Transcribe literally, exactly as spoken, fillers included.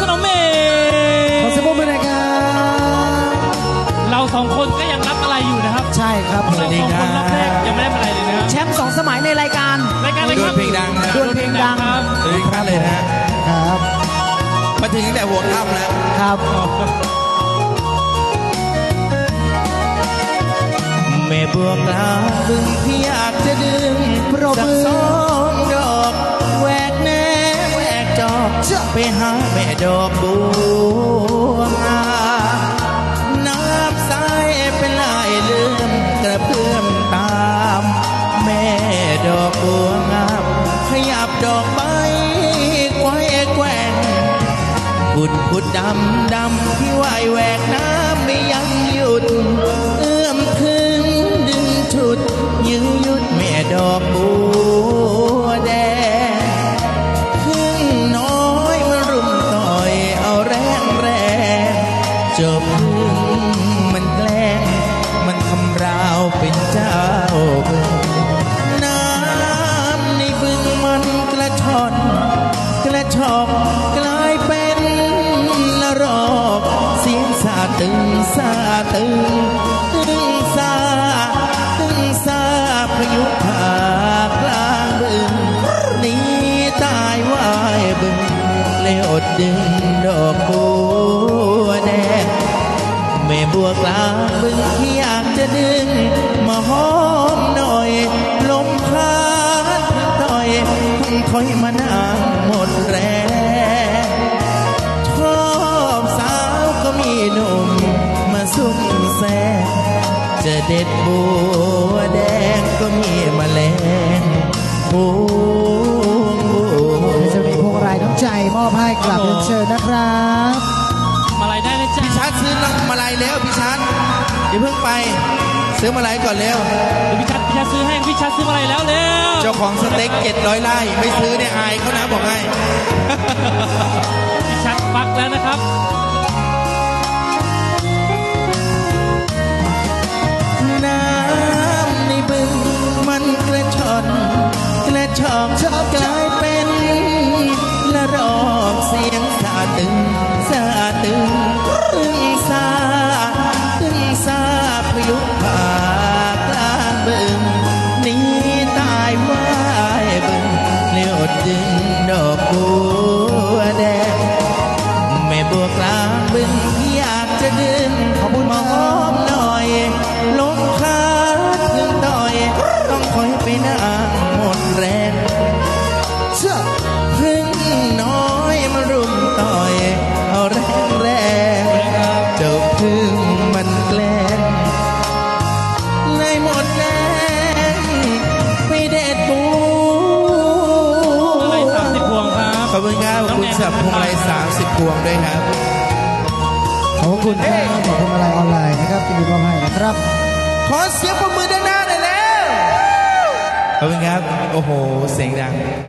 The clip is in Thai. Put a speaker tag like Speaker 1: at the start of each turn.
Speaker 1: น้องเมย์
Speaker 2: ขอเสียงปรบมือหน่อยครับ
Speaker 1: เราสองคนก็ยังรับอะไรอยู่นะครับ
Speaker 2: ใช่ครับ
Speaker 1: เราสองคนรอบแรกยังไม่ได้อะไรเลยนะครับ
Speaker 2: แชมป์สองสมัยในรายการ
Speaker 1: รายการอะไรครับ
Speaker 3: ดวลเพลงดังนะ
Speaker 2: ดวลเพลงดัง
Speaker 3: ครับทุกท่านเลยนะครับมาถึงตั้งแต่หัวค่ำแล้ว
Speaker 2: ครับ
Speaker 3: แม่บวกลาบึงพี่อยากจะดึงสักสองดอกแหวกแหนแหวกจอกไปหาแม่ดอกบัวงามน้ำใสเป็นลายเลื่อมกระเพื่อมตามแม่ดอกบัวงามขยับดอกใบไกวแกว่งพุดพุดดำดำที่ว่ายแหวกน้ำไม่ยังหยุดเอื้อมถึงดึงชุดยื้อยุดแม่ดอกบัวแดงพึ่งน้อยมารุมต่อยเอาแรงแรงเจ้าพึ่งมันแกล้งมันทำราวเป็นเจ้าบึงน้ำในบึงมันกระชอนกระชอกกลายเป็นละรอกเสียงซาตึงซาตึงตึงซาตึงซาพายุผ่ากลางบึงหนีตายวายบึงเลยอดดึงดอกบัวแดงแม่บัวกลางบึงที่อยากจะดึงมาหอมหน่อยลมพัดต่อยถอยมานานหมดแรงชอบสาวก็มีหนุ่มมาซุ่มแซงจะเด็ดบัวแดงก็มีแมลงโอ้
Speaker 2: จะมีพวงรายน้ำใจมอบให้กลับเรียนเชิญนะครับ
Speaker 1: มาลัยได้เลยจ้า
Speaker 3: พี่ชัดซื้อมาลัยแล้วพี่ชัดอย่าเพิ่งไปซื้อมาลัยก่อนเร็ว
Speaker 1: เดี๋ยวพี่ชัดพี่ชัดซื้อให้พี่ชัดซื้อมาลัยแล้วเร็ว
Speaker 3: เจ้าของสเต็กเจ็ดร้อยไร่ไม่ซื้อเนี่ยอายเขานะบอกให้
Speaker 1: พี่ชัดฟักแล้วนะครับ
Speaker 3: น้ำในบึงมันกระชอนกระชอกชอบกลายเป็นละรอกเสียงซาตึงซาตึงตึงซาตึงซาพายุผ่ากลางบึงหนีตายวายบึงเลี้ยวดึงดอกบัวแดงแม่บัวกลางบึงที่อยากจะดึงขอบุญมาหอมหน่อยลมพัดถึงต่อยต้องคอยไปนางหมดแรงเชื่อพึ่งน้อยมารุมต่อยเอาแรงแรงเจ้าพึ่งมันแกล้งเลยหมดแรงไปเด็ดบู
Speaker 1: อะไรสามสิบพวงครับ
Speaker 3: ขอบคุณครับขอบคุณสับพวงไรสามสิบพวงด้วยครับ
Speaker 2: ขอบคุณครับขอบคุณอะไรออนไลน์นะครับที่มีมอบให้นะครับ
Speaker 3: ขอเสียงปรบมือด้านหน้าหน่อยแล้วขอบคุณครับโอ้โหเสียงดัง